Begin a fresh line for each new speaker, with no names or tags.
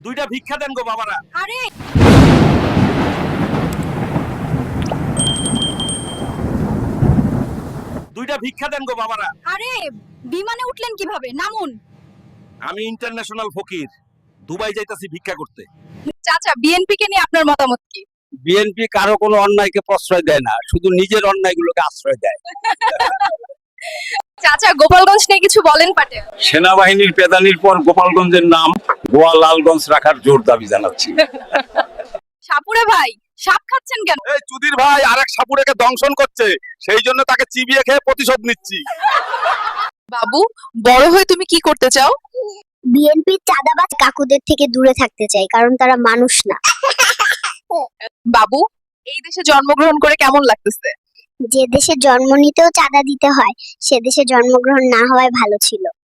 দুইটা ভিক্ষা দেন গো বাবারা।
আরে
দুইটা ভিক্ষা দেন গো বাবারা।
আরে বিমানে উঠলেন কিভাবে? নামুন।
আমি ইন্টারন্যাশনাল ফকির, দুবাই যাইতাছি ভিক্ষা করতে।
চাচা, বিএনপি কে নিয়ে আপনার মতামত কি?
বিএনপি কারো কোনো অন্যায়কে প্রশ্রয় দেয় না, শুধু নিজের অন্যায়গুলোকে আশ্রয় দেয়।
চাচা, গোপালগঞ্জ নিয়ে কিছু বলেন পাটে।
সেনাবাহিনীর পেদানির পর গোপালগঞ্জের নাম গোয়া লালগঞ্জ রাখার জোর দাবি জানাচ্ছি।
সাপুরে ভাই, সাপ খাচ্ছেন কেন?
এই চুদির ভাই আরেক সাপুরেকে দংশন করছে, সেই জন্য তাকে চিবিয়ে খেয়ে প্রতিশোধ নিচ্ছি।
বাবু, বড় হয়ে তুমি কি করতে চাও?
বিএনপির চাঁদাবাজ কাকুদের থেকে দূরে থাকতে চাই, কারণ তারা মানুষ না।
বাবু, এই দেশে জন্মগ্রহণ করে কেমন লাগতেছে?
যে দেশে জন্ম নিতেও চাঁদা দিতে হয়, সে দেশে জন্মগ্রহণ না হওয়ায় ভালো ছিল।